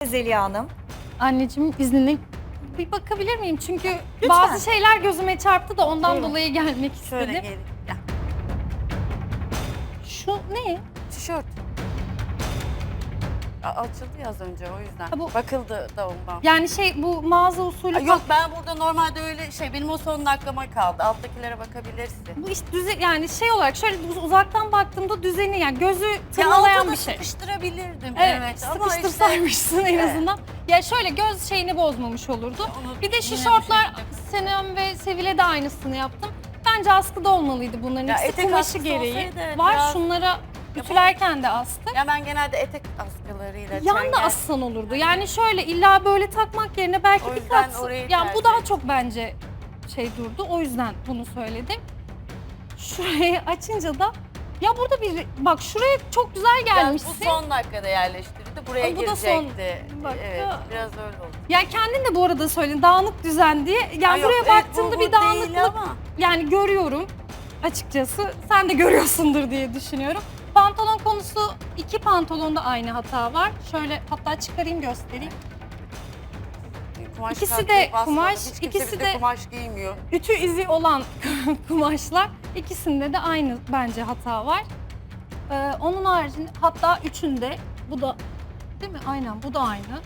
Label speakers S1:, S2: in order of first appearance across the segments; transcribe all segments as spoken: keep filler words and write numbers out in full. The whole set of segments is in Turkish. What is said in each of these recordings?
S1: Zeliha Hanım.
S2: Anneciğim izninle bir bakabilir miyim? Çünkü
S1: Lütfen.
S2: bazı şeyler gözüme çarptı da ondan
S1: Buyurun.
S2: dolayı gelmek
S3: Şöyle
S2: istedim.
S3: gelin. Gel.
S2: Şu ne?
S3: Tişört. A- Açıldı ya az önce o yüzden.
S2: Ha, bu-
S3: Bakıldı da ondan.
S2: Yani şey bu mağaza usulü
S3: Ay, Yok ben burada normalde öyle şey benim o son dakikama kaldı. Alttakilere bakabilirsin.
S2: bu iş düze yani şey olarak şöyle uz- uzaktan baktığımda düzeni yani gözü
S3: Ya
S2: tırmalayan
S3: alta da
S2: bir şey.
S3: sıkıştırabilirdim.
S2: Evet,
S3: Evet, ama işte
S2: sıkıştırsaymışsın en
S3: Evet.
S2: azından. Ya şöyle göz şeyini bozmamış olurdu.
S3: Onu
S2: Bir de şu
S3: yine
S2: şortlar
S3: bir şekilde-
S2: Senem ve Sevil'e de aynısını yaptım. Bence askıda olmalıydı bunların
S3: Ya
S2: ikisi
S3: etek
S2: kumaşı
S3: askısı
S2: gereği.
S3: olsaydı evet,
S2: Var
S3: biraz-
S2: şunlara ütülerken de astık.
S3: Ya ben genelde etek askılarıyla
S2: Yan da
S3: çengel-
S2: assan olurdu. Yani şöyle illa böyle takmak yerine belki
S3: O
S2: bir
S3: yüzden
S2: kat.
S3: orayı
S2: Yani bu
S3: tercih
S2: daha
S3: ettim.
S2: çok bence şey durdu. O yüzden bunu söyledim. Şurayı açınca da ya burada bir bak şuraya çok güzel
S3: Ya
S2: gelmişsin.
S3: bu son dakikada yerleştirildi. Buraya
S2: Ama bu da son
S3: girecekti.
S2: dakika.
S3: Evet biraz öyle oldu.
S2: Ya kendin de bu arada söyledin dağınık düzen diye. Yani
S3: Ay yok,
S2: buraya
S3: evet,
S2: baktığımda
S3: bu-
S2: bir
S3: bu değil
S2: dağınıklık
S3: ama.
S2: yani görüyorum açıkçası. Sen de görüyorsundur diye düşünüyorum. Pantolon konusu iki pantolonda aynı hata var. Şöyle hatta çıkarayım göstereyim.
S3: Kumaş
S2: İkisi
S3: kalktı,
S2: de
S3: basmadı.
S2: kumaş,
S3: Hiç kimse
S2: ikisi
S3: bizde
S2: de-
S3: kumaş giymiyor.
S2: Ütü izi olan kumaşlar. İkisinde de aynı bence hata var. Ee, onun haricinde hatta üçünde bu da değil mi? Aynen bu da aynı.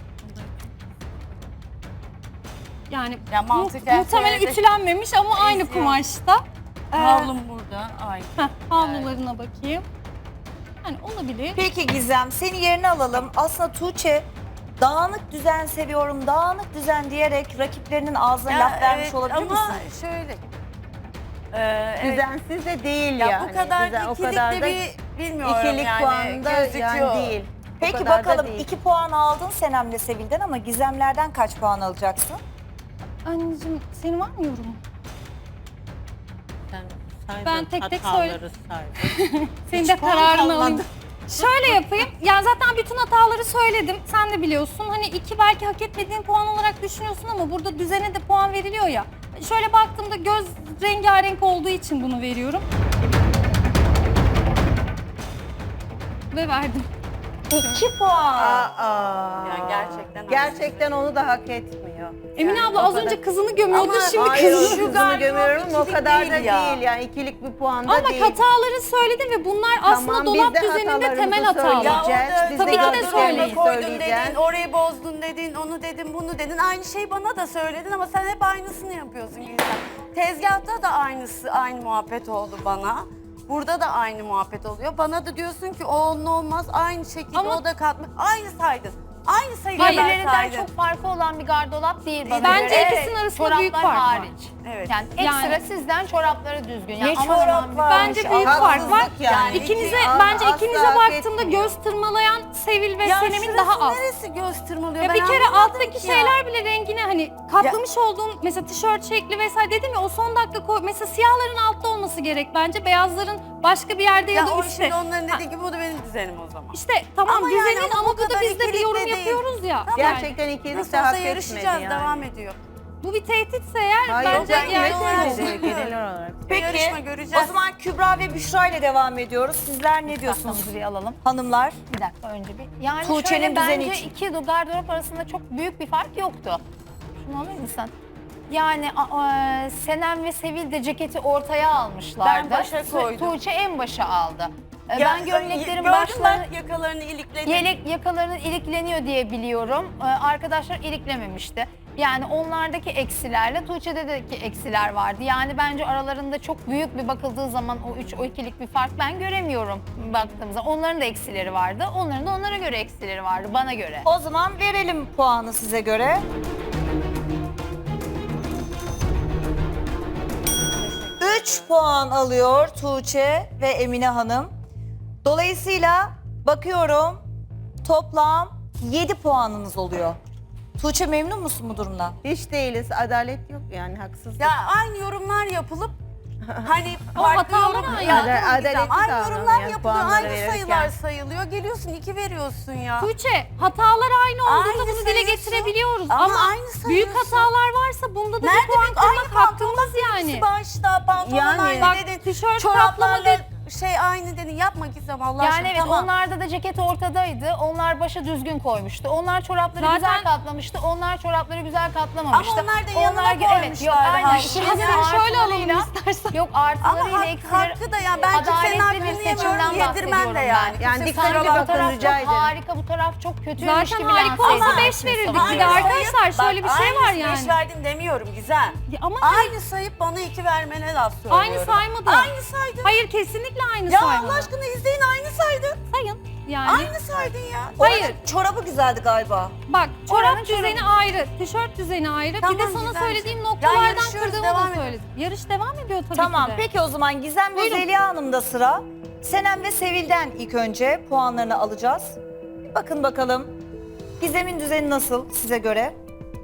S2: Yani
S3: Ya
S2: mu-
S3: mantıken
S2: muhtemelen
S3: söyledi.
S2: ütülenmemiş ama aynı
S3: Eziyor.
S2: kumaşta. Ee,
S3: Havlum burada. Aynı.
S2: heh, havlularına bakayım. Yani olabilir.
S1: Peki Gizem, seni yerine alalım. Aslında Tuğçe dağınık düzen seviyorum, dağınık düzen diyerek rakiplerinin ağzına
S3: Ya
S1: laf vermiş
S3: evet,
S1: olabilir
S3: ama
S1: misin?
S3: şöyle. Ee, evet.
S4: Düzensiz de değil
S3: Ya
S4: yani.
S3: bu kadar
S4: Düzen-
S3: ikilik de bir bilmiyorum
S4: ikilik
S3: yani.
S4: puanda
S3: gözüküyor.
S4: yani değil. Bu
S1: Peki
S4: kadar da
S1: bakalım
S4: değil.
S1: iki puan aldın Senem'le Sevil'den ama Gizemlerden kaç puan alacaksın?
S2: Anneciğim senin var mı yorumun?
S5: Sen saydın,
S2: Ben tek tek
S5: hataları saydın.
S2: Senin de
S5: puan
S2: kararını
S5: kalmadı.
S2: alayım. Şöyle yapayım. Ya zaten bütün hataları söyledim. Sen de biliyorsun. Hani iki belki hak etmediğin puan olarak düşünüyorsun ama burada düzene de puan veriliyor ya. Şöyle baktığımda göz rengarenk olduğu için bunu veriyorum. Ve verdim.
S1: İki puan.
S4: Aa,
S3: Yani gerçekten
S4: gerçekten onu da hak etmiyor.
S2: Emine
S4: Yani
S2: abla
S4: o
S2: az
S4: kadar-
S2: önce kızını gömüyordu,
S3: Ama
S2: şimdi
S4: Hayır,
S2: kızını.
S4: kızını
S3: gardırop
S4: gömüyorum ama o
S3: ikilik
S4: kadar
S3: değil
S4: da
S3: ya.
S4: değil yani ikilik bir puanda
S2: Ama
S4: değil.
S2: hataları söyledim ve bunlar aslında
S4: Tamam,
S2: dolap
S4: biz de
S2: düzeninde
S4: hatalarımızı
S2: temel hatalar.
S3: Ya
S4: söyleyeceğiz.
S3: orada
S4: Biz
S2: de
S3: tabii ki de
S2: gördüklerimizi
S3: söyleyin. Koydun
S4: söyleyeceğiz.
S3: dedin, orayı bozdun dedin, onu dedin, bunu dedin. Aynı şeyi bana da söyledin ama sen hep aynısını yapıyorsun Gülşen. Tezgahta da aynısı, aynı muhabbet oldu bana. Burada da aynı muhabbet oluyor. Bana da diyorsun ki o onun olmaz, aynı şekilde
S2: Ama-
S3: o da katma. Aynı saydın. Aynı sayıyı
S2: Hayır,
S3: ben
S6: Birbirlerinden
S3: saydım.
S6: çok farkı olan bir gardırop değil bana
S2: Bence
S6: göre.
S2: ikisinin arasında
S6: Çoraplar
S2: büyük fark var.
S6: hariç.
S3: Evet.
S6: Yani ekstra
S2: Yani-
S6: sizden çorapları düzgün. Yani
S1: Ne
S6: aman aman
S1: çorap
S6: bir-
S1: var?
S2: Bence büyük fark var.
S4: Haksızlık yani.
S2: İkinize
S4: İki-
S2: bence
S4: asla
S2: ikinize
S4: hak
S2: baktığımda
S4: etmiyor.
S2: göz tırmalayan Sevil ve
S3: Ya
S2: Senem'in
S3: şurası
S2: daha az.
S3: neresi göz tırmalıyor?
S2: Ya
S3: Ben
S2: bir kere
S3: anlamadım
S2: alttaki
S3: ki ya.
S2: şeyler bile rengine hani katlamış olduğun mesela tişört şekli vesaire dedim ya o son dakika koy. Mesela siyahların altta olması gerek bence. Beyazların başka bir yerde ya,
S3: Ya
S2: da
S3: o
S2: üstte.
S3: şimdi onların
S2: Ha,
S3: dediği gibi bu da benim düzenim o zaman.
S2: İşte tamam
S3: Ama yani
S2: düzenin
S3: ama
S2: ama
S3: bu
S2: bu da
S3: kadar
S2: biz de bir
S3: ikilik
S2: yorum
S3: de değil.
S2: yapıyoruz ya.
S3: Tamam.
S2: Yani
S4: Gerçekten ikilik
S3: Nasıl
S4: de
S3: olsa
S4: hak etmedi
S3: yarışacağız,
S4: yani.
S3: devam ediyor.
S2: bu bir tehditse eğer
S4: Hayır,
S2: bence
S4: ben
S2: yani
S4: evet
S3: yani-
S4: öyle genel olarak.
S3: Bir yarışma
S1: Peki
S3: göreceğiz.
S1: o zaman Kübra ve Büşra ile devam ediyoruz. Sizler ne diyorsunuz
S6: Tahtamızı bir alalım.
S1: hanımlar?
S6: Bir dakika önce bir. Yani
S1: Tuğçe'nin
S6: şöyle
S1: düzeni
S6: bence
S1: için.
S6: iki gardırop arasında çok büyük bir fark yoktu. Şunu alır mısın? Yani a- a- Senem ve Sevil de ceketi ortaya almışlardı.
S3: Ben başa koydum.
S6: Tuğçe en başa aldı. E,
S3: Ya,
S6: ben gömleklerin
S3: gördüm
S6: başlarını...
S3: ben yakalarını ilikledim.
S6: Yelek yakalarının ilikleniyor diye biliyorum. Ee, arkadaşlar iliklememişti. Yani onlardaki eksilerle Tuğçe'deki eksiler vardı. Yani bence aralarında çok büyük bir bakıldığı zaman o üç, o ikilik bir fark ben göremiyorum baktığımızda. Onların da eksileri vardı. Onların da onlara göre eksileri vardı bana göre.
S1: O zaman verelim puanı size göre. Üç puan alıyor Tuğçe ve Emine Hanım. Dolayısıyla bakıyorum toplam yedi puanınız oluyor. Tuğçe memnun musun bu durumdan?
S4: Hiç değiliz. Adalet yok yani haksızlık.
S3: Ya aynı yorumlar yapılıp hani
S2: Ama
S3: farklı
S2: hatalar
S3: yorum-
S2: aynı.
S3: Ya
S4: Ada-
S3: tamam
S4: adaletli
S3: güzel. Aynı
S4: davranın
S3: yorumlar
S4: yani
S3: yapılıyor,
S4: puanları
S3: aynı
S4: verirken.
S3: sayılar sayılıyor. Geliyorsun iki veriyorsun ya.
S2: Tuğçe hatalar aynı olduğunda
S3: Aynı
S2: bunu dile
S3: sayıyorsun.
S2: getirebiliyoruz.
S3: Ama
S2: Ama,
S3: aynı
S2: büyük
S3: sayıyorsun.
S2: hatalar varsa bunda da
S3: Nerede
S2: bir puan
S3: büyük? Aynı
S2: kırmak hakkımız
S3: pantolon
S2: yani.
S3: İkisi başta pantolon
S4: Yani.
S3: aynı
S2: Bak,
S3: dedin.
S2: tişört
S3: Çoraplarla
S2: kaplama
S3: şey aynı dedin. Yapma Gizem Allah
S6: Yani
S3: aşkına.
S6: evet
S3: tamam.
S6: onlarda da ceket ortadaydı. Onlar başı düzgün koymuştu. Onlar çorapları
S2: Zaten-
S6: güzel katlamıştı. Onlar çorapları güzel katlamamıştı.
S3: Ama onlar da yanına
S6: evet, yok
S3: koymuşlardı
S6: aynen.
S3: halbuki.
S6: İkisinin
S2: Şimdi şöyle alalım
S6: artılarıyla-
S2: istersen.
S6: Yok
S3: Ama
S6: artılarıyla
S3: hak,
S6: eksileri
S3: hakkı da yani ben kimsenin
S6: adaletli
S3: hakkını
S6: bir
S3: yemiyorum,
S6: seçimden
S3: yedirmem de
S6: bahsediyorum
S3: yani.
S6: ben.
S4: Yani
S3: Kimse
S4: dikkatli
S3: kusura
S6: Sanki bu
S3: bakma.
S6: taraf
S4: rica
S6: çok
S4: ederim.
S6: harika, bu taraf çok kötüymüş
S2: Zaten
S6: gibi
S2: harika
S6: lanse
S2: olsa
S6: edilmiş.
S2: beş verirdik.
S6: Ama
S2: Bir de
S3: Aynı
S2: arkadaşlar
S3: sayıp-
S2: şöyle bir
S3: bak,
S2: şey var
S3: aynı
S2: yani.
S3: beş verdim demiyorum Gizem.
S2: Ya ama
S3: Aynı sayıp bana iki vermene laf söylüyorum.
S2: aynı saymadı.
S3: Aynı saydın.
S2: Hayır kesinlikle aynı
S3: Ya
S2: saymadı.
S3: Allah aşkına izleyin aynı saydın.
S2: Sayın. Yani.
S3: Aynı saydın ya.
S2: Hayır.
S1: Çorabı güzeldi galiba.
S2: Bak
S3: Oranın
S2: çorap düzeni ayrı, tişört düzeni ayrı.
S3: Tamam,
S2: bir de sana
S3: güzel
S2: söylediğim
S3: şey. Ya
S2: noktalardan
S3: yarışıyoruz,
S2: kırdığımı
S3: devam
S2: da
S3: edelim.
S2: söyledim. Yarış devam ediyor tabii
S1: Tamam
S2: ki de.
S1: peki o zaman Gizem ve
S2: Buyurun.
S1: Zeliha Hanım'da sıra. Senem ve Sevil'den ilk önce puanlarını alacağız. Bakın bakalım Gizem'in düzeni nasıl size göre?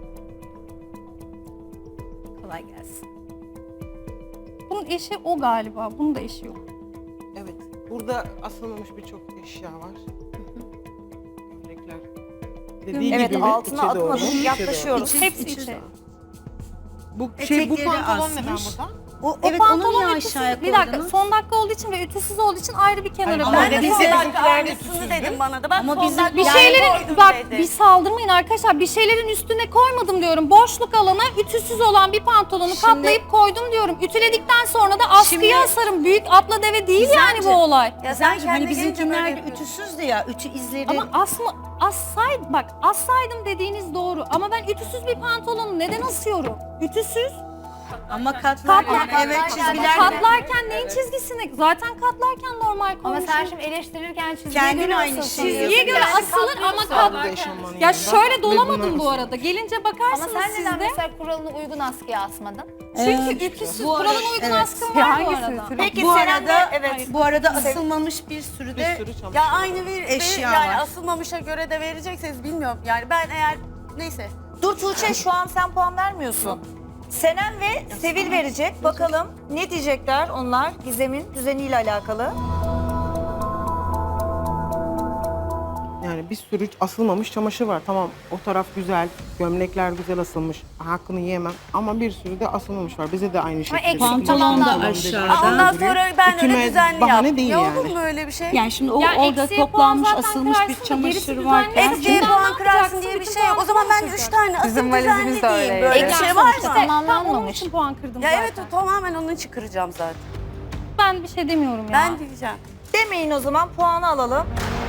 S2: Kolay gelsin. Bunun eşi o galiba. Bunun da eşi yok.
S7: Evet. Burada asılmamış birçok eşya var. Gömlekler. Dediği
S1: Evet
S7: gibi
S1: altına
S7: içe doğru,
S1: atmadık
S7: içe
S1: yaklaşıyoruz.
S7: doğru.
S2: Hepsi içe.
S7: Bu şey bu
S8: Etekleri
S7: pantolon neden
S8: asmış.
S7: burada?
S8: O,
S2: O
S8: evet onu
S2: pantolon
S8: niye
S2: ütüsüz.
S8: aşağıya
S2: Bir dakika
S8: koydunuz?
S2: son dakika olduğu için ve ütüsüz olduğu için ayrı bir kenara
S7: Hayır,
S2: koydum.
S3: Ben de
S7: Biz
S3: son
S7: de
S3: dakika
S7: bizimkiler
S3: aynısını
S7: ütüsüzdü.
S3: dedim bana da. Ben
S8: Ama
S3: son
S8: bizim-
S3: dakika
S2: Bir
S3: yani
S2: şeylerin
S3: koydum
S2: bak
S3: dedi.
S2: bir saldırmayın arkadaşlar. Bir şeylerin üstüne koymadım diyorum. Boşluk alana ütüsüz olan bir pantolonu katlayıp koydum diyorum. Ütüledikten sonra da askıya
S8: Şimdi-
S2: asarım. Büyük atla deve değil yani bu olay.
S3: Ya sen
S8: Güzelce, hani
S3: kendine gelince böyle
S8: bizimkiler de
S3: yapıyorsun.
S8: ütüsüzdü ya, ütü izleri.
S2: Ama asma assaydım bak assaydım dediğiniz doğru. Ama ben ütüsüz bir pantolonu neden asıyorum? Ütüsüz.
S8: ama katlarken
S6: Katlar-
S8: evet
S6: katlarken-
S8: çizgiler
S2: Katlarken neyin çizgisini? Zaten katlarken normal
S6: Ama
S2: koymuşum.
S6: sen şimdi eleştirirken çizgiye
S8: Kendin
S6: göre
S8: aynı
S6: asılsın
S8: şeyi
S6: diyorsun.
S2: Çizgiye göre
S6: Yani
S2: asılır ama
S6: katlıyorsun.
S2: kat...
S7: Burada eşofmanın
S2: Ya
S7: yanında
S2: şöyle
S7: ve
S2: dolamadım
S7: bunlar
S2: bu
S7: asılı.
S2: arada. Gelince
S6: Ama
S2: bakarsınız
S6: sen
S2: siz
S6: neden
S2: de.
S6: mesela kuralına uygun askıya asmadın?
S2: Çünkü ütüsüz
S8: Bu
S2: kuralın
S8: arada-
S2: uygun
S8: evet.
S2: askım var bu arada.
S1: Peki
S8: bu
S1: Senem de
S8: arada
S1: evet.
S8: bu arada asılmamış bir sürü
S7: Bir
S8: de
S7: sürü çamaşır.
S3: Ya aynı bir
S8: Eşya
S3: yani
S8: var.
S3: asılmamışa göre de verecekseniz bilmiyorum. Yani ben eğer neyse.
S1: Dur Tuğçe şu an sen puan vermiyorsun. Senem ve Sevil verecek. Bakalım ne diyecekler onlar Gizem'in düzeniyle alakalı.
S7: Yani bir sürü asılmamış çamaşır var. Tamam o taraf güzel, gömlekler güzel asılmış. Hakkını yiyemem ama bir sürü de asılmamış var. Bize de aynı şekilde.
S6: eksik
S7: Pantolon
S6: tamamlanmış.
S7: da
S8: aşağıda.
S3: Aa, ondan sonra ben öyle
S7: Ütüme
S3: düzenli
S7: bahane
S3: yaptım.
S7: değil
S3: Ya
S7: yani.
S3: olur mu öyle bir şey?
S8: yani şimdi o
S2: Ya
S8: orada
S2: eksiye
S8: toplanmış
S2: puan zaten
S8: asılmış bir
S2: kırarsın da gerisi
S8: çamaşır
S2: düzenli.
S8: varken
S3: Eksiye
S2: Şimdi
S3: puan
S2: ne
S3: kırarsın
S2: yapacaksın?
S3: diye bir
S2: Bütün
S3: şey yok. O zaman ben
S2: puanları
S3: üç tane asıl
S9: Bizim
S3: düzenli
S9: valizimiz de
S3: diyeyim.
S9: öyle.
S3: Böyle bir
S6: Yani
S3: şey var
S6: sonuçta
S3: mı?
S2: Tam onun
S6: tamamlanmamış.
S2: için puan kırdım
S3: Ya
S2: zaten.
S3: evet o tamamen onun için kıracağım zaten.
S2: Ben bir şey demiyorum ya.
S3: Ben diyeceğim.
S1: Demeyin o zaman puanı alalım.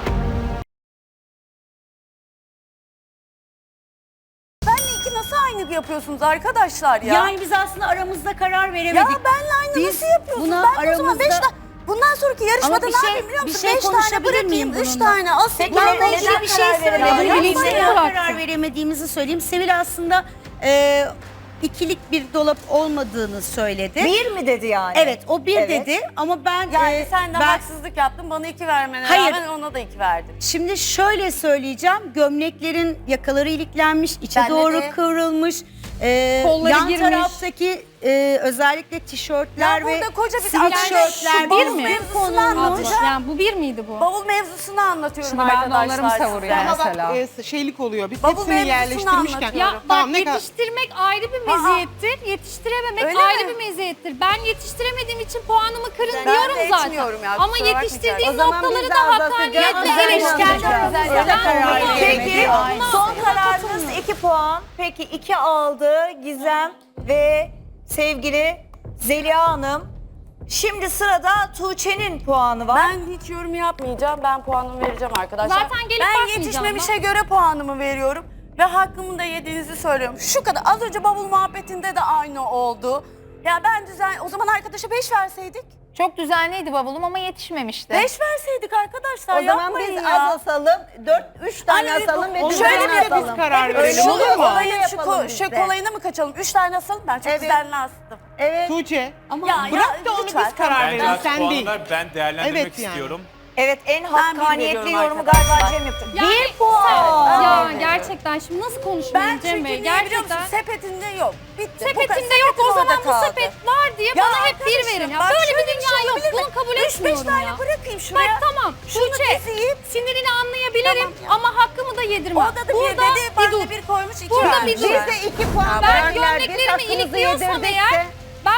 S3: Benle iki nasıl aynı yapıyorsunuz arkadaşlar ya?
S8: yani biz aslında aramızda karar
S3: ya
S8: veremedik.
S3: benle aynı
S8: Biz
S3: nasıl yapıyorsunuz?
S8: buna
S3: Ben o zaman beş
S8: aramızda-
S3: tane... Bundan sonraki yarışmada
S8: Ama bir
S3: ne
S8: şey-
S3: yapayım biliyor
S8: bir
S3: musun?
S8: şey
S3: Beş tane
S8: konuşabilir
S3: bırakayım,
S8: miyim
S3: üç
S8: bununla?
S3: tane asıl.
S1: Peki,
S3: Bununla
S1: neden
S3: ilgili bir şey
S1: karar
S3: söyleyeyim.
S1: veremedik?
S8: Ya,
S2: Ya,
S8: birlikte
S2: yapmayın.
S8: neden
S2: Bıraktım.
S8: karar veremediğimizi söyleyeyim. Sevil aslında e, ikilik bir dolap olmadığını söyledi.
S1: Bir mi dedi yani?
S8: Evet o bir
S1: Evet.
S8: dedi ama ben
S3: Yani
S8: e,
S3: sen de
S8: ben
S3: haksızlık yaptın. Bana iki vermene
S8: Hayır.
S3: rağmen ona da iki verdin.
S8: şimdi şöyle söyleyeceğim. Gömleklerin yakaları iliklenmiş, içe
S3: Ben de
S8: doğru
S3: de-
S8: kıvrılmış. E,
S2: Kolları
S8: yan
S2: girmiş.
S8: taraftaki e, özellikle tişörtler
S3: Ya
S8: ve
S3: burada koca bir
S8: sweatshirtler
S3: şu
S2: bir
S3: bavul
S2: mi?
S3: mevzusunu
S2: Abla,
S3: anlatacağım.
S2: yani bu bir miydi bu?
S3: Bavul mevzusunu anlatıyorum
S9: Şimdi ben de
S3: arkadaşlar
S9: onları mı savuruyorum?
S3: size.
S7: Ama bak
S9: Mesela.
S7: e, şeylik oluyor. Biz
S3: Bavul
S7: hepsini
S3: mevzusunu
S7: yerleştirmişken.
S3: anlatıyorum.
S2: Ya bak
S7: Tamam, ne kadar-
S2: yetiştirmek ayrı bir
S3: Aa.
S2: meziyettir, yetiştirememek
S3: Öyle
S2: ayrı
S3: mi?
S2: bir meziyettir. Ben yetiştiremediğim için puanımı kırın
S3: Ben
S2: diyorum
S3: de
S2: zaten.
S3: etmiyorum ya,
S2: Ama
S3: kusura
S2: yetiştirdiğim
S8: O zaman
S2: noktaları
S8: biz
S2: da
S8: de azaltacağız,
S2: hakkaniyetle
S8: azaltacağız.
S2: eleştireceğim.
S8: Öyle karar
S1: Peki
S8: veremedik.
S1: son kararınız iki puan. Peki iki aldı Gizem ve sevgili Zeliha Hanım. Şimdi sırada Tuğçe'nin puanı var.
S3: Ben hiç yorum yapmayacağım. Ben puanımı vereceğim arkadaşlar.
S2: Zaten gelip
S3: ben
S2: bakmayacağım
S3: yetişmemişe göre puanımı veriyorum. Ve hakkımı da yediğinizi söylüyorum. Şu kadar az önce bavul muhabbetinde de aynı oldu. Ya ben düzen o zaman arkadaşa beş verseydik.
S6: Çok düzenliydi bavulum ama yetişmemişti.
S3: Beş verseydik arkadaşlar
S8: O zaman
S3: yapmayın
S8: biz
S3: ya.
S8: az asalım, dört, üç tane
S3: Hani
S8: asalım ve
S7: o
S8: düzenli
S3: şöyle bir-
S8: asalım.
S7: biz karar
S3: Öyle
S7: verelim
S3: şu
S7: olur mu?
S3: olayın şu,
S8: Yapalım
S3: ko-
S8: biz
S3: şu
S8: de.
S3: kolayına mı kaçalım? Üç tane asalım ben çok
S8: Evet.
S3: düzenli astım.
S8: Evet.
S7: Tuğçe
S8: Ama
S3: Ya, ya,
S7: bırak da onu
S3: lütfen,
S7: biz karar
S3: tamam.
S7: verelim.
S10: Ben
S7: Sen değil.
S10: puanlar ben değerlendirmek
S7: Evet yani.
S10: istiyorum.
S1: Evet en
S3: bir
S1: hakkaniyetli
S3: veriyorum
S1: yorumu
S3: arkadaşlar.
S1: galiba Cem yaptı.
S2: Yani
S1: Bir puan.
S2: Ya
S3: Evet.
S2: gerçekten şimdi nasıl
S3: Ben
S2: konuşmayayım
S3: çünkü
S2: Cem
S3: niye
S2: Bey?
S3: biliyor
S2: Gerçekten.
S3: musun? Sepetinde yok. Bitti. Bu
S2: Sepetinde
S3: kadar.
S2: yok o
S3: Sepetim
S2: zaman
S3: orada
S2: bu
S3: kaldı.
S2: sepet var diye
S3: Ya
S2: bana hep bir
S3: arkadaşım,
S2: verin ya.
S3: bak
S2: Böyle bir
S3: şöyle bir
S2: dünya
S3: şey
S2: yok.
S3: olabilir mi?
S2: Bunu kabul
S3: Üç beş
S2: etmiyorum
S3: tane
S2: ya.
S3: bırakayım
S2: Bak
S3: şuraya.
S2: tamam
S3: Şunu
S2: Tuğçe
S3: keseyim.
S2: sinirini anlayabilirim
S3: Tamam ya.
S2: ama hakkımı da yedirmem.
S3: Orada da bir
S2: Burada
S3: dedi, bana
S2: dur.
S3: da bir koymuş, iki
S2: Burada
S3: vermiş.
S2: bir dur.
S8: biz de iki puan
S2: Ben
S8: verdik.
S2: gömleklerimi
S8: Hakkımızı
S2: ilikliyorsam
S8: yedirdik
S2: eğer
S8: de.
S2: ben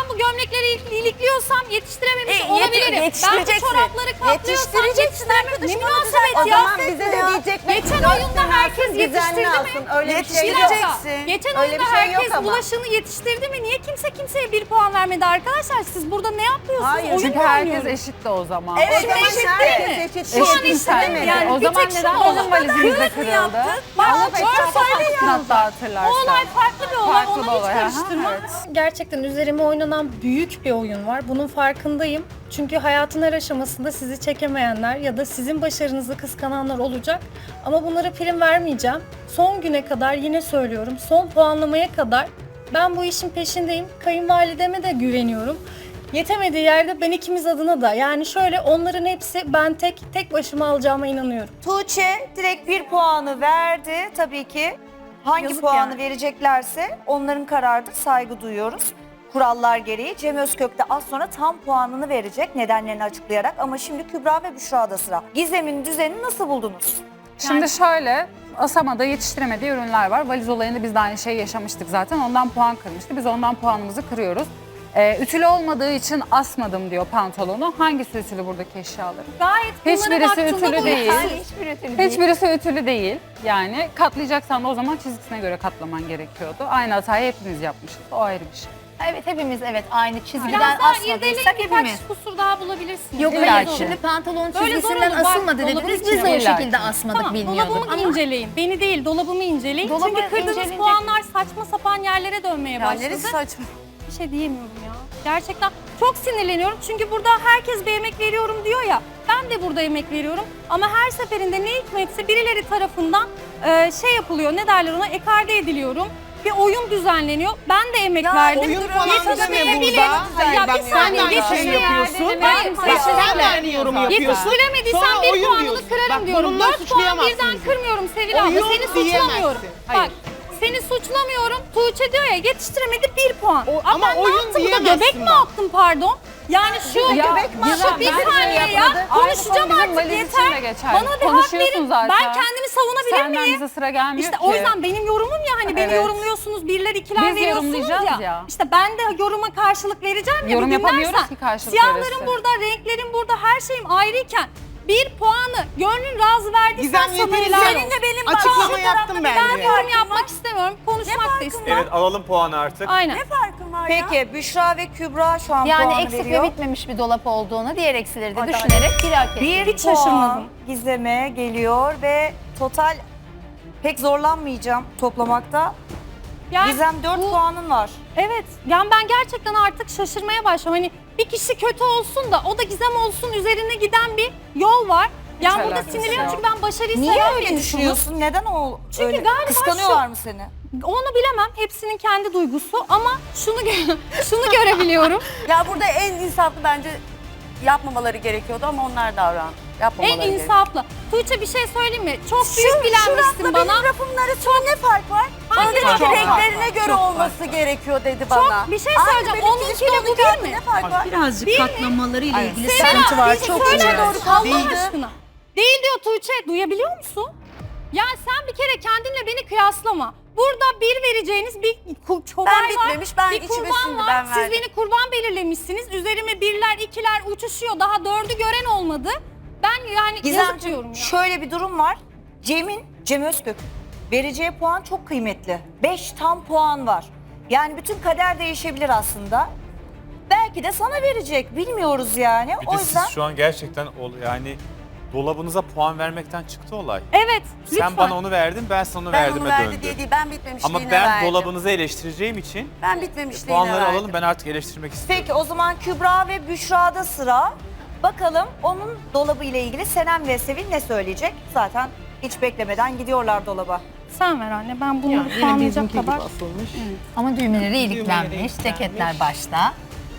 S2: Ben bu gömlekleri il- ilikliyorsam yetiştirememiş
S3: E, yet-
S2: olabilirim. Ben bu
S3: yetiştireceksin.
S2: çorapları katlıyorsam
S3: Yetiştireceksin
S2: yetiştiremem. Ne
S3: arkadaşım,
S2: münasebet
S4: O
S2: ya.
S4: zaman bize de diyecekler.
S2: Geçen
S4: dört
S2: oyunda
S4: sene
S2: herkes
S4: alsın, düzenli
S2: yetiştirdi mi?
S4: alsın. Öyle bir şey
S2: Bir
S4: yok.
S2: dakika.
S3: Yetiştireceksin.
S2: Geçen
S4: Öyle
S2: oyunda
S4: bir şey yok
S2: herkes
S4: ama.
S2: bulaşığını yetiştirdi mi? Niye kimse kimseye bir puan vermedi arkadaşlar? Siz burada ne yapıyorsunuz?
S4: Hayır,
S2: Oyun
S9: Çünkü
S2: mu
S9: herkes
S2: oynuyoruz?
S9: eşit de o zaman.
S3: Evet,
S2: Şimdi
S3: ama
S2: eşit
S3: herkes
S2: değil mi?
S4: eşit
S2: Şu an
S4: değil.
S2: eşit değil mi? Yani
S9: o
S2: bir
S9: zaman
S2: tek şu
S9: neden
S2: olay.
S9: bizim valizimiz de
S3: Kız mı
S9: kırıldı?
S3: yaptın?
S2: Bak
S9: Ama
S2: dört sayı
S9: Hatta
S2: yazdı.
S9: hatırlarsan.
S2: O olay farklı bir olay.
S9: Farklı
S2: Onu
S9: bir
S2: hiç
S9: olay, aha,
S2: karıştırma.
S9: evet.
S10: Gerçekten üzerime oynanan büyük bir oyun var. Bunun farkındayım. Çünkü hayatın her aşamasında sizi çekemeyenler ya da sizin başarınızı kıskananlar olacak. Ama bunlara prim vermeyeceğim. Son güne kadar yine söylüyorum. Son puanlamaya kadar ben bu işin peşindeyim. Kayınvalideme de güveniyorum. Yetemediği yerde ben ikimiz adına da. Yani şöyle onların hepsi ben tek tek başıma alacağıma inanıyorum.
S1: Tuğçe direkt bir puanı verdi. Tabii ki hangi
S2: Yazık
S1: puanı
S2: yani.
S1: vereceklerse onların kararıdır, saygı duyuyoruz. Kurallar gereği Cem Özkök de az sonra tam puanını verecek nedenlerini açıklayarak. Ama şimdi Kübra ve Büşra'da sıra. Gizem'in düzenini nasıl buldunuz?
S9: Şimdi şöyle, Asama'da yetiştiremediği ürünler var. Valiz olayında biz de aynı şeyi yaşamıştık zaten. Ondan puan kırmıştı. Biz ondan puanımızı kırıyoruz. Ee, ütülü olmadığı için asmadım diyor pantolonu. Hangisi ütülü buradaki eşyaların?
S2: Gayet bunlara
S9: Hiçbirisi
S2: baktığında
S9: ütülü
S2: bu
S9: değil.
S2: yani.
S6: Hiçbir ütülü değil.
S9: Hiçbirisi ütülü değil. Yani katlayacaksan da o zaman çizgisine göre katlaman gerekiyordu. Aynı hatayı hepimiz yapmışız. O ayrı bir şey.
S6: Evet hepimiz evet aynı çizgiden
S2: Biraz daha
S6: asmadıysak
S2: irdeleyip birkaç
S6: hepimiz.
S2: kusur daha bulabilirsiniz.
S6: Yok
S9: İlla
S6: hayır
S9: ki.
S6: şimdi pantolon
S2: Böyle
S6: çizgisinden
S2: zor olur, bak,
S6: asılmadı
S2: dolabın
S6: dediniz. Biz
S2: içine.
S6: de o
S9: İlla
S6: şekilde
S9: ki.
S6: asmadık
S2: Tamam,
S6: bilmiyorduk.
S2: dolabımı
S6: Ama
S2: inceleyin. Beni değil, dolabımı inceleyin.
S6: Dolabı
S2: Çünkü kırdığınız
S6: incelenecek.
S2: puanlar saçma sapan yerlere dönmeye
S3: Ya
S2: başladı.
S3: neresi saçma?
S2: Bir şey diyemiyorum ya. Gerçekten çok sinirleniyorum. Çünkü burada herkes bir emek veriyorum diyor ya. Ben de burada emek veriyorum. Ama her seferinde ne hikmetse birileri tarafından e, şey yapılıyor. Ne derler ona? Ekarte ediliyorum. Bir oyun düzenleniyor. Ben de emek
S3: Ya
S2: verdim.
S7: oyun falan deme
S2: Yetiştiremeyebilirim.
S7: burada. Hayır,
S2: Ya
S7: bak
S2: bir
S7: sen
S2: saniye
S7: de aynı şeyi
S2: yetiştiremediysem
S7: yapıyorsun.
S2: Hayır,
S7: Bak sen de
S2: kesinlikle.
S7: aynı yorum yapıyorsun.
S2: Yetiştiremediysem
S7: Sonra
S2: bir
S7: oyun
S2: puanını
S7: diyorsun.
S2: kırarım
S7: Bak,
S2: diyorum.
S7: bununla
S2: Dört puan
S7: suçlayamazsın
S2: birden
S7: bizi.
S2: kırmıyorum Sevil abla.
S7: Oyun
S2: Seni suçlamıyorum.
S7: diyemezsin. Hayır.
S2: Bak seni suçlamıyorum. Tuğçe diyor ya yetiştiremedi bir puan.
S7: O-
S2: ama
S7: ama
S2: ben
S7: oyun
S2: ne yaptım da
S7: diyemezsin
S2: göbek mi
S7: bak.
S2: attım pardon? Yani şu
S9: Ya,
S2: göbek mi
S9: Gizem,
S2: attım? Bir
S9: ben de
S2: saniye ya.
S9: yapmadım.
S2: Konuşacağım
S9: Aynı konu bizim
S2: artık
S9: valiz için
S2: yeter.
S9: de geçerli.
S2: Bana bir hak
S9: Konuşuyorsun
S2: verin.
S9: zaten.
S2: Ben kendimi savunabilir
S9: Senden
S2: miyim?
S9: bize sıra gelmiyor
S2: İşte
S9: ki.
S2: o yüzden benim yorumum ya hani beni
S9: Evet.
S2: yorumluyorsunuz, birler ikiler
S9: Biz
S2: veriyorsunuz
S9: yorumlayacağız
S2: ya.
S9: ya.
S2: İşte ben de yoruma karşılık vereceğim ya.
S9: Yorum
S2: bir
S9: yapamıyoruz
S2: dinlersen.
S9: ki karşılık
S2: Siyahların
S9: verirsin.
S2: burada, renklerin burada, her şeyim ayrıyken bir puanı gönlün razı verdiysen
S7: Gizem
S2: sana
S7: yeterince
S2: helal
S3: Senin de benim
S7: açıklama
S3: bak- şu
S7: yaptım
S3: tarafta
S7: bence.
S2: Ben yorum yapmak istemiyorum, konuşmak da istemiyorum.
S11: Evet alalım puanı artık.
S2: Aynen.
S3: Ne farkın var ya?
S1: Peki Büşra ve Kübra şu an
S6: yani
S1: puanı
S6: eksik
S1: veriyor.
S6: ve bitmemiş bir dolap olduğunu, diğer eksileri de
S2: Adalet.
S6: düşünerek bir hak etti.
S1: Bir
S2: Hiç
S1: puan
S2: şaşırmadım.
S1: Gizem'e geliyor ve total pek zorlanmayacağım toplamakta.
S2: Yani
S1: Gizem dört
S2: bu-
S1: puanın var.
S2: Evet. Yani ben gerçekten artık şaşırmaya başlıyorum. Hani bir kişi kötü olsun da o da Gizem olsun üzerine giden bir yol var. Yani burada
S9: alakası
S2: sinirleniyorum
S9: yok.
S2: çünkü ben başarıyı
S1: Niye
S2: seven bir
S1: öyle
S2: insanım.
S1: düşünüyorsun? Neden o
S2: Çünkü
S1: öyle?
S2: galiba
S1: Kıskanıyorlar mı seni?
S2: Onu bilemem. Hepsinin kendi duygusu ama şunu gö- şunu görebiliyorum.
S3: Ya burada en insaflı bence yapmamaları gerekiyordu ama onlar davrandı. Yapmamaları
S2: En
S3: gerekiyordu.
S2: insaflı. Tuğçe bir şey söyleyeyim mi? Çok
S3: Şu,
S2: büyük
S3: şu
S2: bilenmişsin
S3: rafla
S2: bana.
S3: benim rafımın arasında ne fark var? Bana
S2: Hangi
S3: dedi
S2: fark
S3: ki
S2: var?
S3: renklerine
S1: Çok
S3: göre
S1: fark
S3: olması gerekiyor dedi bana.
S2: bir şey
S3: Aynı
S2: söyleyeceğim.
S3: benimki
S2: Onunkiyle
S3: işte,
S2: bu
S3: onunki
S2: bir
S3: arasında
S2: mi?
S3: Ne fark var?
S8: Birazcık katlamalarıyla ilgili
S2: Sevil
S8: sıkıntı
S2: abi,
S8: var.
S2: bir şey
S8: Çok
S2: söyle
S8: önemli.
S2: doğru Allah
S3: Değildi.
S2: aşkına. Değil diyor Tuğçe. Duyabiliyor musun? Ya sen bir kere kendinle beni kıyaslama. Burada bir vereceğiniz bir ku- çoban
S3: Ben
S2: var,
S3: bitmemiş, ben
S2: bir
S3: içime
S2: kurban
S3: sindi,
S2: var.
S3: ben
S2: Siz
S3: verdim.
S2: beni kurban belirlemişsiniz. Üzerime birler, ikiler uçuşuyor. Daha dördü gören olmadı. Ben yani yazık
S1: Gizemciğim
S2: diyorum ya.
S1: şöyle bir durum var. Cem'in, Cem Özkök vereceği puan çok kıymetli. Beş tam puan var. Yani bütün kader değişebilir aslında. Belki de sana verecek. Bilmiyoruz yani.
S11: Bir
S1: O
S11: de
S1: yüzden
S11: siz şu an gerçekten ol- yani dolabınıza puan vermekten çıktı olay.
S2: Evet, lütfen.
S11: Sen bana onu verdin, ben sana onu
S3: Ben
S11: verdiğime
S3: onu verdi
S11: döndü.
S3: diye değil, ben bitmemişliğine
S11: Ama ben
S3: verdim.
S11: dolabınızı eleştireceğim için
S3: Ben bitmemişliğine
S11: puanları
S3: verdim.
S11: alalım, ben artık eleştirmek istiyorum.
S1: peki o zaman Kübra ve Büşra'da sıra. Bakalım onun dolabı ile ilgili Senem ve Sevil ne söyleyecek? Zaten hiç beklemeden gidiyorlar dolaba.
S2: Sen ver anne. Ben bunu
S7: Yani yine
S2: puanlayacak
S7: bizimki gibi
S2: kadar.
S7: asılmış.
S6: Ama düğmeleri iliklenmiş,
S7: iliklenmiş.
S6: ceketler başta.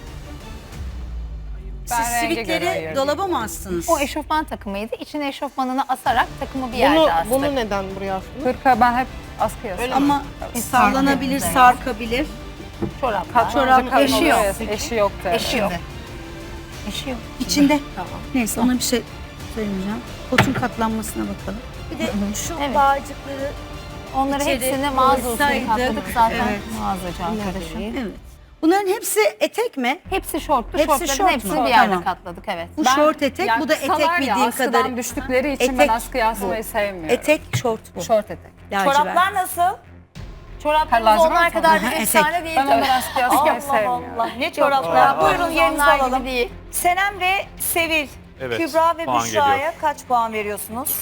S10: Siz
S9: Ben renge göre
S8: Sivitleri
S9: ayırdım.
S8: dolaba mı astınız?
S6: O eşofman takımıydı. İçine eşofmanını asarak takımı bir
S7: Bunu,
S6: yerde astık.
S7: bunu neden buraya astınız?
S9: Hırka ben hep askıya asarım.
S8: Ama sallanabilir,
S6: Evet.
S8: sarkabilir.
S6: Çoraplar.
S8: Çorap
S9: Kalın
S6: eşi
S9: oluyor
S6: yok.
S9: ya, Eşi yoktu.
S6: Eşi yok. Eşi yok.
S8: İçinde. Neyse ona bir şey söylemeyeceğim. Kotun katlanmasına bakalım.
S1: Bir de şu
S6: Evet.
S1: bağcıkları
S6: Onları
S8: İçeri
S6: hepsini mağaza usulü
S8: koysaydık,
S6: katladık zaten
S8: evet.
S6: mağazacı arkadaşım.
S8: Evet. Bunların hepsi etek mi?
S6: Hepsi şorttu.
S8: Hepsi
S6: Şortların
S8: şort mu?
S6: hepsini bir yerde
S8: Tamam.
S6: katladık evet.
S8: Bu
S9: Ben-
S8: şort etek,
S9: ya
S8: bu da etek
S9: kısalar ya,
S8: bildiğim
S9: askıdan
S8: kadarıyla.
S9: düştükleri için
S8: Etek
S9: ben askıya
S8: bu.
S9: asmayı sevmiyorum.
S8: Etek, şort bu.
S9: Şort etek.
S8: Lacivert.
S1: Çoraplar nasıl?
S6: Çoraplarımız
S9: Lacivert
S6: onlar
S9: mi?
S6: kadar
S8: Aha,
S6: bir
S8: etek.
S6: efsane değil
S9: Ben
S6: tabii.
S9: onları askıya asmayı
S1: Allah
S9: sevmiyorum.
S1: Allah. Ne çoraplar? Buyurun yerinizi
S6: Onlar gibi
S1: alalım.
S6: değil.
S1: Senem ve Sevil.
S11: Evet,
S1: Kübra ve
S11: puan
S1: Büşra'ya
S11: geliyor.
S1: kaç puan veriyorsunuz?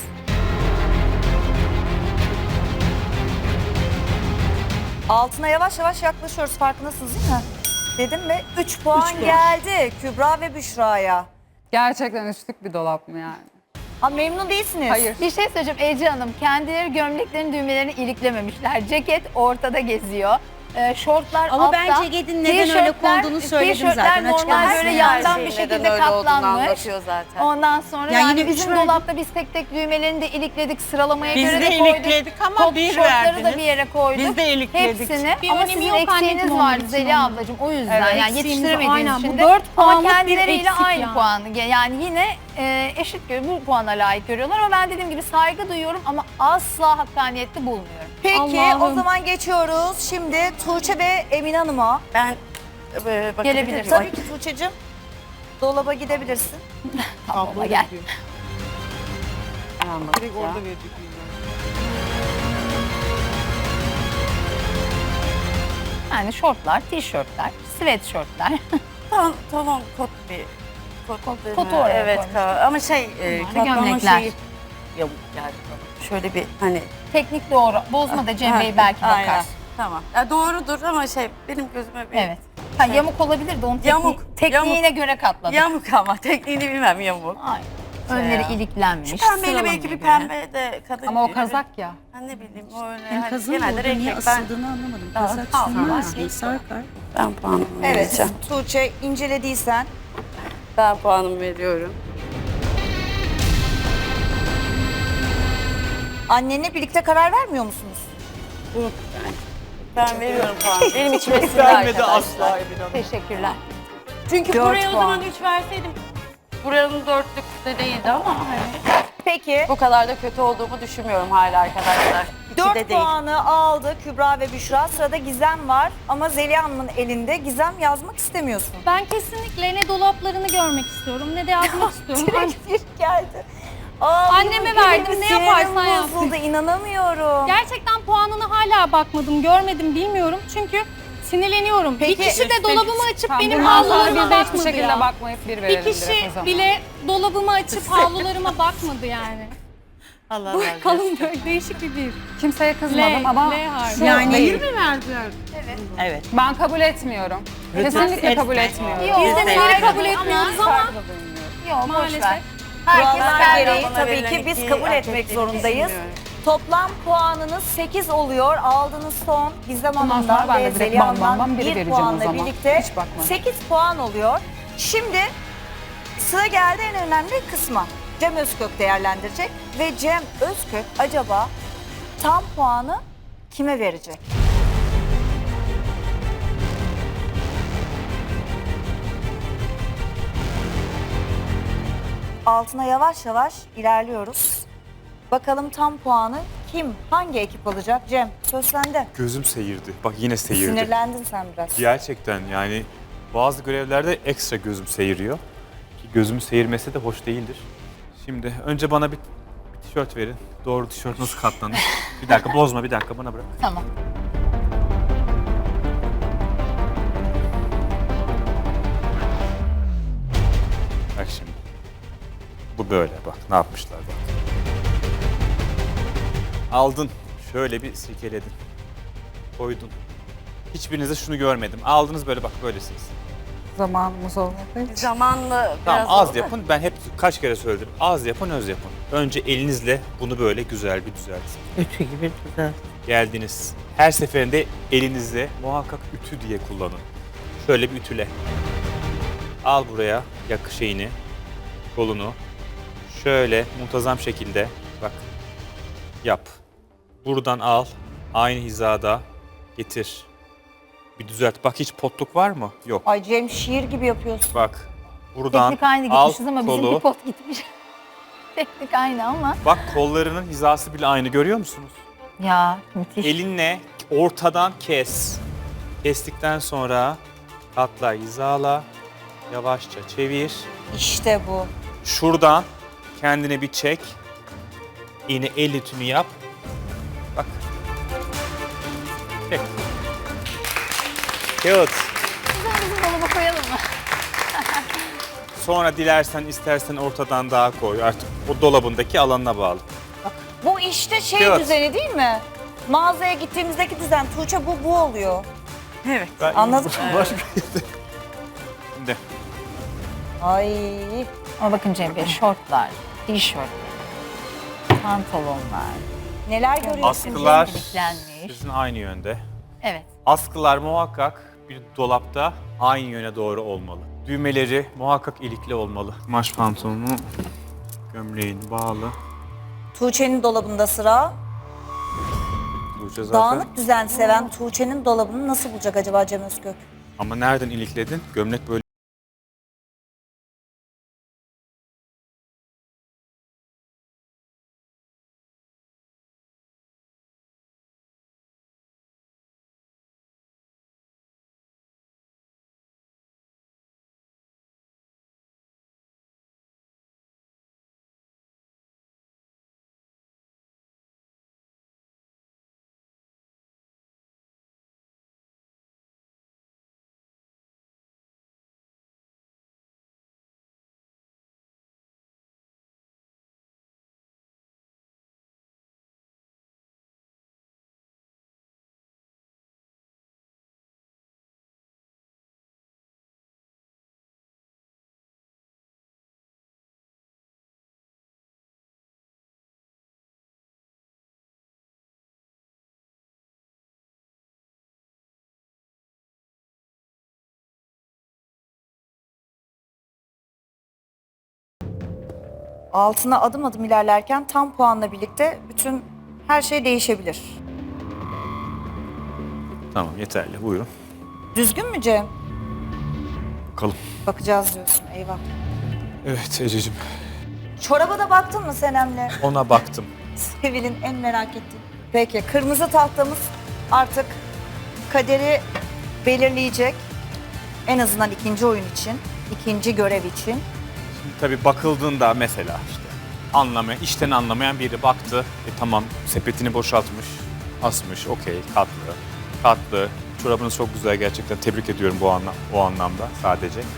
S1: Altına yavaş yavaş yaklaşıyoruz. Farkındasınız değil mi? Dedim ve üç puan geldi Kübra ve Büşra'ya.
S9: Gerçekten üstlük bir dolap mı yani?
S1: Ha memnun değilsiniz.
S9: Hayır.
S6: Bir şey söyleyeceğim Ece Hanım. Kendileri gömleklerin düğmelerini iliklememişler. Ceket ortada geziyor. Ee, şortlar
S8: Ama
S6: altta.
S8: ben ceketin neden öyle
S6: Tişörtler-
S8: konduğunu söyledim
S6: tişörtler
S8: zaten,
S6: normal
S8: açıklamasını
S6: böyle
S8: yaptım.
S6: yandan bir
S3: Neden
S6: şekilde
S3: öyle olduğunu
S6: katlanmış.
S3: anlatıyor zaten.
S6: Ondan sonra
S8: Ya
S6: yani
S8: yine üç
S6: bizim
S8: verdim.
S6: dolapta biz tek tek düğmelerini de ilikledik. Sıralamaya
S5: Biz
S6: göre
S5: de
S6: de koyduk.
S5: ilikledik ama
S6: Top
S5: bir
S6: şortları da
S5: verdiniz.
S6: bir yere koyduk.
S5: Biz de ilikledik.
S6: Hepsini.
S10: Bir
S6: Ama
S10: önemi
S6: sizin
S10: yok
S6: eksiğiniz
S10: anneciğim
S6: vardı
S10: onun için
S6: Zeliha
S10: onun.
S6: ablacığım. O yüzden
S10: Evet,
S6: yani
S10: eksiğimiz
S6: yetiştiremediğiniz
S10: aynen. Bu
S6: için de.
S10: dört
S6: Ama
S10: puanlık bir
S6: kendileriyle
S10: eksik
S6: aynı
S10: yani.
S6: puanı. Yani yine e, eşit gör- bu puana layık görüyorlar ama ben dediğim gibi saygı duyuyorum ama asla hakkaniyetli bulmuyorum.
S1: Peki
S10: Allah'ım.
S1: o zaman geçiyoruz. Şimdi Tuğçe ve Emine Hanım'a.
S3: Ben e, bakabilir
S6: Gelebilir.
S3: miyim?
S1: Tabii ki Tuğçe'cim. Dolaba gidebilirsin.
S6: Abla gel.
S3: Hemen
S7: Direkt
S3: bakacağım.
S7: orada verecek.
S6: Yani şortlar, tişörtler, sweatshirtler.
S3: Tamam, tamam kot bir kot, kot değil
S6: Kotu
S3: mi?
S6: oraya
S3: Evet
S6: koymuş.
S3: ka- ama şey e,
S6: Bunlar da
S3: katlama
S6: gömlekler.
S3: şeyi yamuk geldi bana. Şöyle bir hani
S6: Teknik doğru. Bozma da Cem
S3: Ha,
S6: Bey belki
S3: aynen.
S6: bakar.
S3: Tamam. Ya doğrudur ama şey benim gözüme bir
S6: Evet. Ha, yamuk olabilir de onun tekni-
S3: Yamuk,
S6: tekniğine
S3: yamuk.
S6: göre katladık.
S3: yamuk ama tekniğini bilmem yamuk.
S6: Aynen. Önleri
S3: ya.
S6: iliklenmiş.
S3: Şu pembeyle
S6: sıralamaya
S3: belki bir
S6: göre.
S3: pembe de kadın
S9: Ama o
S3: gibi.
S9: kazak ya.
S3: Ha, ne bileyim o öyle.
S8: Yani
S3: hani
S8: kazın
S3: genelde
S8: orada niye
S3: renk ben,
S8: asıldığını anlamadım.
S3: Aa,
S8: Kazak
S3: tamam,
S8: sürmez
S3: var.
S8: mi? Sarkar.
S3: ben puanımı
S1: Evet
S3: vereceğim.
S1: Tuğçe incelediysen.
S3: Ben puanımı veriyorum.
S1: Annenle birlikte karar vermiyor musunuz?
S3: Ben veriyorum puanı. Benim içime sindi arkadaşlar.
S6: Teşekkürler.
S3: Çünkü
S1: Dört
S3: buraya o
S1: puan.
S3: zaman üç verseydim buranın dörtlük de değildi ama hani
S1: Peki
S3: bu kadar da kötü olduğumu düşünmüyorum hala arkadaşlar. İki
S1: dört
S3: de değil.
S1: puanı aldı Kübra ve Büşra. Sırada Gizem var ama Zeliha Hanım'ın elinde. Gizem yazmak istemiyorsun.
S10: Ben kesinlikle ne dolaplarını görmek istiyorum ne de yazmak istiyorum.
S1: Direkt bir geldi. Aa,
S10: Anneme
S1: benim
S10: verdim,
S1: benim
S10: ne
S1: sinirim
S10: yaparsan yap.
S1: bozuldu, inanamıyorum.
S10: Gerçekten puanına hala bakmadım, görmedim, bilmiyorum. Çünkü sinirleniyorum.
S1: Peki,
S10: bir kişi de dolabımı açıp
S9: Tamam,
S10: benim
S9: bundan sonra
S10: havlularıma
S9: biz de hiçbir
S10: bakmadı
S9: şekilde
S10: ya.
S9: bakmayıp bir
S10: Bir
S9: verelim direkt
S10: kişi
S9: o zaman.
S10: bile dolabımı açıp havlularıma bakmadı yani.
S3: Allah razı olsun.
S10: Kalın böyle değişik bir bir.
S9: Kimseye kızmadım
S10: L,
S9: ama
S10: L harfi.
S9: şu
S8: Yani
S9: değil.
S7: mi verdiler?
S5: Evet.
S9: Ben kabul etmiyorum. Kesinlikle kabul etmiyorum.
S6: Yok,
S10: Biz de
S6: saygı
S10: neleri kabul
S6: duyuyorum
S10: etmiyoruz
S6: ama-
S10: ama
S6: Yok boş
S10: maalesef.
S6: ver. Herkes
S1: Kurallar
S6: kendi
S1: gereği
S3: bana
S1: tabii
S3: verilen
S1: ki biz
S3: iki
S1: kabul
S3: hak
S1: etmek
S3: ettiğini
S1: zorundayız.
S3: düşünmüyorum.
S1: Toplam puanınız sekiz oluyor. Aldığınız son Gizem
S9: Bundan
S1: Hanım'dan
S9: sonra ben de
S1: ve
S9: direkt
S1: Zeliha
S9: bam bam
S1: Hanım'dan
S9: bam biri
S1: bir
S9: vereceğim o
S1: puanla
S9: zaman.
S1: birlikte
S9: Hiç bakma.
S1: sekiz puan oluyor. Şimdi sıra geldi en önemli kısma. Cem Özkök değerlendirecek ve Cem Özkök acaba tam puanı kime verecek? Altına yavaş yavaş ilerliyoruz. Bakalım tam puanı kim, hangi ekip alacak? Cem, söz sende.
S11: Gözüm seyirdi. Bak yine seyirdi.
S1: Sinirlendin sen biraz.
S11: Gerçekten yani bazı görevlerde ekstra gözüm seyiriyor. Ki gözüm seyirmesi de hoş değildir. Şimdi önce bana bir, bir tişört verin. Doğru tişört nasıl katlanır? Bir dakika bozma bir dakika bana bırak.
S6: Tamam.
S11: Bak şimdi. Bu böyle bak ne yapmışlar bak. Aldın şöyle bir silkeledin. Koydun. Hiçbirinizde şunu görmedim. Aldınız böyle bak böylesiniz.
S9: Zamanımız olmadığı için.
S3: Zamanla
S11: Tamam
S3: biraz
S11: az
S3: oldu.
S11: yapın. Ben hep kaç kere söyledim. Az yapın, öz yapın. Önce elinizle bunu böyle güzel bir düzeltin.
S5: Ütü gibi güzel.
S11: Geldiniz. Her seferinde elinizle muhakkak ütü diye kullanın. Şöyle bir ütüle. Al buraya yakı şeyini, kolunu. Şöyle muntazam şekilde bak yap. Buradan al. Aynı hizada getir. Bir düzelt. Bak hiç potluk var mı? Yok.
S1: Ay Cem şiir gibi yapıyorsun.
S11: Bak buradan
S6: Teknik aynı
S11: al
S6: gitmişiz ama
S11: kolu.
S6: bizimki pot gitmiş. Teknik aynı ama.
S11: Bak kollarının hizası bile aynı görüyor musunuz?
S6: Ya müthiş.
S11: Elinle ortadan kes. Kestikten sonra Katla, hizala. Yavaşça çevir.
S1: İşte bu.
S11: Şuradan kendine bir çek. Yine el ütünü yap. Bak. Çek. Kağıt.
S6: Bizim dolaba koyalım mı?
S11: Sonra dilersen istersen ortadan daha koy. Artık o dolabındaki alanına bağlı.
S1: Bu işte şey
S11: Kağıt.
S1: düzeni değil mi? Mağazaya gittiğimizdeki düzen. Tuğçe bu bu oluyor.
S3: Evet.
S11: Ben-
S1: Anladım.
S11: Şimdi
S1: Ay.
S6: Ama bakın Cem Bey, şortlar, tişörtler, pantolonlar,
S1: Neler görüyorsun?
S11: askılar
S6: iliklenmiş.
S11: sizin aynı yönde.
S6: Evet.
S11: Askılar muhakkak bir dolapta aynı yöne doğru olmalı. Düğmeleri muhakkak ilikli olmalı. Kumaş pantolonu, gömleğin bağlı.
S1: Tuğçe'nin dolabında sıra.
S11: Tuğçe zaten.
S1: Dağınık düzen seven Tuğçe'nin dolabını nasıl bulacak acaba Cem Özgök?
S11: Ama nereden ilikledin? Gömlek böyle.
S1: Altına adım adım ilerlerken tam puanla birlikte bütün her şey değişebilir.
S11: Tamam yeterli. Buyurun.
S1: Düzgün mü Cem?
S11: Bakalım.
S1: Bakacağız diyorsun. Eyvah.
S11: Evet Ececiğim.
S1: Çoraba da baktın mı Senem'le?
S11: Ona baktım.
S1: Sevil'in en merak ettiği. Peki kırmızı tahtamız artık kaderi belirleyecek. En azından ikinci oyun için, ikinci görev için.
S11: Şimdi tabii bakıldığında mesela işte anlamayan, işten anlamayan biri baktı. E tamam sepetini boşaltmış, asmış, okey katlı, katlı. Çorabınız çok güzel gerçekten tebrik ediyorum bu anlam o anlamda sadece. Ee,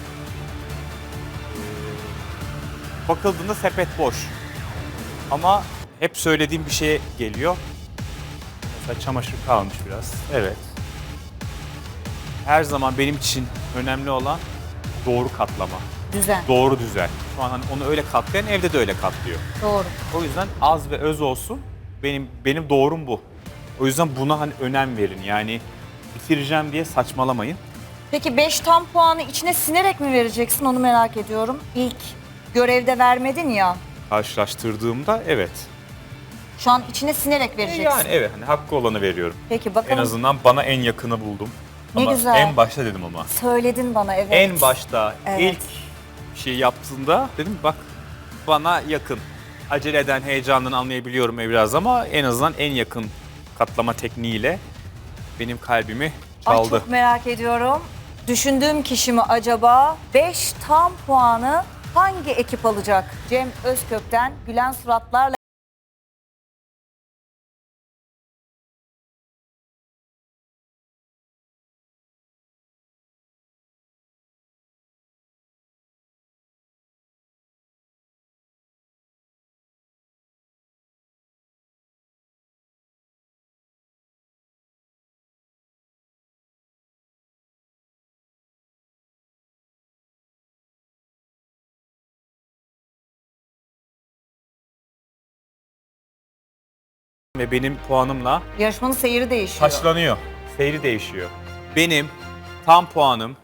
S11: bakıldığında sepet boş. Ama hep söylediğim bir şeye geliyor. Mesela çamaşır kalmış biraz. Evet. Her zaman benim için önemli olan doğru katlama.
S1: Düzen.
S11: Doğru düzen. Şu an hani onu öyle katlayan evde de öyle katlıyor.
S1: Doğru.
S11: O yüzden az ve öz olsun. Benim benim doğrum bu. O yüzden buna hani önem verin. Yani bitireceğim diye saçmalamayın.
S1: Peki beş tam puanı içine sinerek mi vereceksin onu merak ediyorum. İlk görevde vermedin ya.
S11: Karşılaştırdığımda evet.
S1: Şu an içine sinerek vereceksin.
S11: Yani evet hani hakkı olanı veriyorum.
S1: Peki bakalım.
S11: En azından bana en yakını buldum.
S1: Ne
S11: ama
S1: güzel.
S11: En başta dedim ama.
S1: Söyledin bana evet.
S11: En başta
S1: Evet.
S11: ilk şey yaptığında dedim bak bana yakın. Acele eden heyecandan anlayabiliyorum biraz ama en azından en yakın katlama tekniğiyle benim kalbimi
S1: Ay
S11: çaldı.
S1: çok merak ediyorum. Düşündüğüm kişi mi acaba? beş tam puanı hangi ekip alacak? Cem Özkök'ten gülen suratlarla
S11: ve benim puanımla
S1: yarışmanın seyri değişiyor.
S11: taçlanıyor. Seyri değişiyor. Benim tam puanım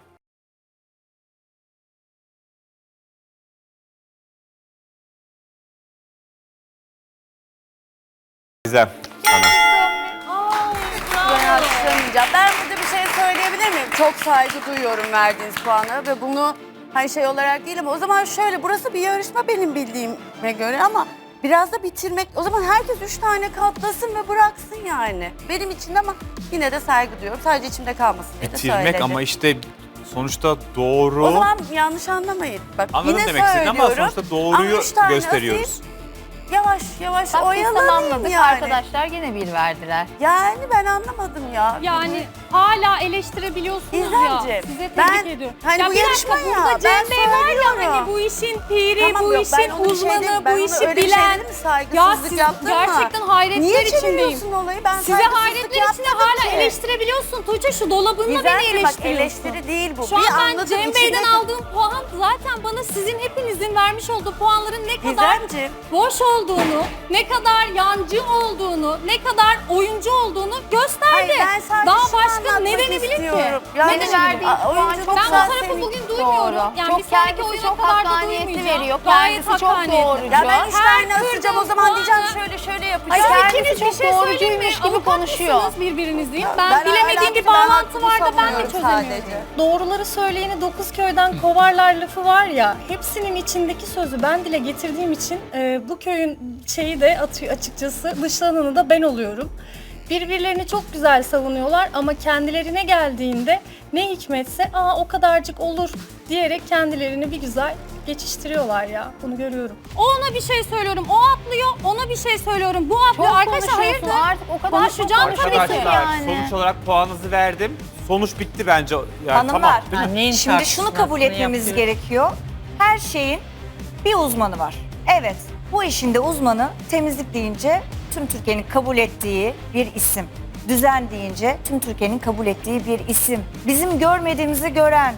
S11: Gizem. Sana.
S3: Ben alkışlamayacağım. Ben burada bir şey söyleyebilir miyim? Çok saygı duyuyorum verdiğiniz puana ve bunu hani şey olarak değil ama o zaman şöyle burası bir yarışma benim bildiğime göre ama biraz da bitirmek. O zaman herkes üç tane katlasın ve bıraksın yani. Benim için de ama yine de saygı duyuyorum. Sadece içimde kalmasın diye de
S11: Bitirmek
S3: söyledim.
S11: ama işte sonuçta doğru.
S3: O zaman yanlış anlamayın. Bak
S11: Anladım
S3: yine
S11: demek istediğini ama
S3: söylüyorum.
S11: sonuçta doğruyu
S3: Ama üç tane
S11: gösteriyoruz.
S3: asil, Yavaş yavaş
S6: Bak biz
S3: oyalanayım
S6: tamamladık
S3: yani.
S6: arkadaşlar yine bir verdiler.
S3: Yani ben anlamadım ya.
S2: Yani hala eleştirebiliyorsunuz ya.
S3: İzlemciğim,
S2: Size tebrik
S3: ben-
S2: ediyorum.
S3: hani
S2: ya
S3: bu
S2: bir dakika,
S3: yarışma ya,
S2: burada Cem
S3: ben
S2: Bey var ya
S3: söylüyorum.
S2: hani bu işin piri,
S3: Tamam,
S2: bu
S3: yok, ben
S2: işin
S3: onu bir şey
S2: uzmanı,
S3: dedim, ben
S2: bu
S3: onu
S2: işi
S3: öyle bir şey
S2: bilen.
S3: dedim mi?
S2: Ya
S3: Saygısızlık
S2: siz
S3: yaptın mı?
S2: gerçekten hayretler
S3: Niye
S2: içindeyim.
S3: çeviriyorsun olayı? Ben
S2: Size
S3: saygısızlık
S2: hayretler içinde
S3: yapmadım
S2: hala
S3: ki.
S2: eleştirebiliyorsun. Tuğçe şu dolabınla beni
S3: Gizemciğim, bak
S2: eleştiriyorsun.
S3: eleştiri değil bu.
S2: Şu
S3: Bir
S2: an ben
S3: anladım,
S2: Cem
S3: içine-
S2: Bey'den aldığım puan zaten bana sizin hepinizin vermiş olduğu puanların ne kadar
S3: Gizemciğim.
S2: boş olduğunu, ne kadar yancı olduğunu, ne kadar oyuncu olduğunu gösterdi.
S3: Hayır, ben sadece
S2: Daha
S3: şunu
S2: başka
S3: anlatmak
S2: ne denebilir ki?
S3: istiyorum.
S2: Ne
S3: Yani
S2: denebilir?
S6: verdiği
S3: Aa,
S6: puan
S3: oyunculuk
S6: çok
S2: Ben bu
S3: güzel
S2: tarafı
S3: senin-
S2: bugün duymuyorum.
S6: Doğru.
S2: Yani
S6: Çok
S2: bir sonraki
S6: kendisi
S2: oyuna
S6: çok
S2: kadar da
S6: hakkaniyetli
S2: duymayacağım.
S6: veriyor.
S2: Gayet
S6: Kendisi çok
S2: hakkaniyetli.
S6: doğrucu.
S3: Ya ben işlerini
S2: Her
S3: asacağım o
S2: kırdığım
S3: zaman diyeceğim
S2: puanı-
S3: şöyle şöyle
S2: Ay
S3: yapacağım.
S2: siz
S6: Kendisi
S2: ikiniz bir
S6: çok
S2: şey söyleyeyim mi?
S6: doğrucuymuş gibi
S2: Avukat
S6: konuşuyor.
S2: mısınız birbirinizin? Ben,
S3: Ben
S2: bilemediğim bir
S3: ahlaklı, ben
S2: bağlantı
S3: hakkımı
S2: var da ben de
S3: savunuyorum
S2: çözemiyorum.
S3: sadece.
S10: Doğruları söyleyeni dokuz köyden kovarlar lafı var ya, hepsinin içindeki sözü ben dile getirdiğim için e, bu köyün şeyi de atıyor açıkçası, dışlananı da ben oluyorum. Birbirlerini çok güzel savunuyorlar ama kendilerine geldiğinde ne hikmetse aa o kadarcık olur diyerek kendilerini bir güzel geçiştiriyorlar ya, bunu görüyorum.
S2: O ona bir şey söylüyorum, o atlıyor, ona bir şey söylüyorum, bu atlıyor.
S6: Çok
S2: Arkadaşlar
S6: konuşuyorsun
S2: hayırdır?
S6: artık o kadar
S2: Konuşacağım
S6: çok
S2: tabii ki
S11: Arkadaşlar
S6: yani.
S11: sonuç olarak puanınızı verdim. Sonuç bitti bence. Yani
S1: Hanımlar,
S11: tamam, değil mi?
S5: Annenin
S1: şimdi şunu kabul etmemiz
S5: yapıyor.
S1: gerekiyor. Her şeyin bir uzmanı var. Evet, bu işin de uzmanı temizlik deyince tüm Türkiye'nin kabul ettiği bir isim. Düzen deyince tüm Türkiye'nin kabul ettiği bir isim. Bizim görmediğimizi gören,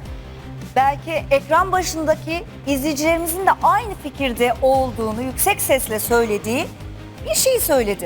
S1: belki ekran başındaki izleyicilerimizin de aynı fikirde olduğunu yüksek sesle söylediği bir şey söyledi.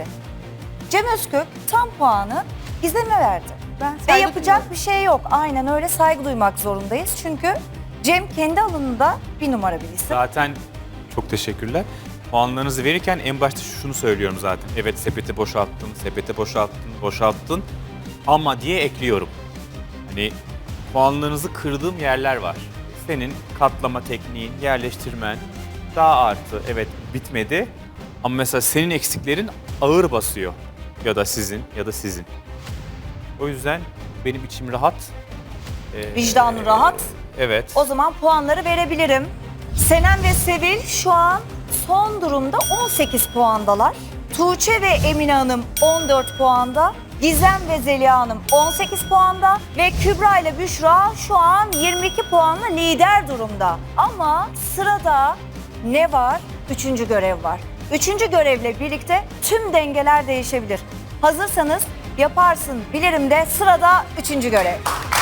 S1: Cem Özkök tam puanı Gizem'e verdi.
S3: Ben
S1: Ve
S3: saygı
S1: yapacak
S3: duyuyorum.
S1: bir şey yok. Aynen öyle, saygı duymak zorundayız. Çünkü Cem kendi alanında bir numara bir isim.
S11: Zaten çok teşekkürler. Puanlarınızı verirken en başta şunu söylüyorum zaten. Evet sepeti boşalttın, sepeti boşalttın, boşalttın ama diye ekliyorum. Hani puanlarınızı kırdığım yerler var. Senin katlama tekniğin, yerleştirmen daha artı. Evet bitmedi ama mesela senin eksiklerin ağır basıyor. Ya da sizin ya da sizin. O yüzden benim içim rahat. Ee,
S1: Vicdanı rahat.
S11: Evet.
S1: O zaman puanları verebilirim. Senem ve Sevil şu an son durumda on sekiz puandalar. Tuğçe ve Emine Hanım on dört puanda. Gizem ve Zeliha Hanım on sekiz puanda. Ve Kübra ile Büşra şu an yirmi iki puanla lider durumda. Ama sırada ne var? Üçüncü görev var. Üçüncü görevle birlikte tüm dengeler değişebilir. Hazırsanız yaparsın bilirim de sırada üçüncü görev.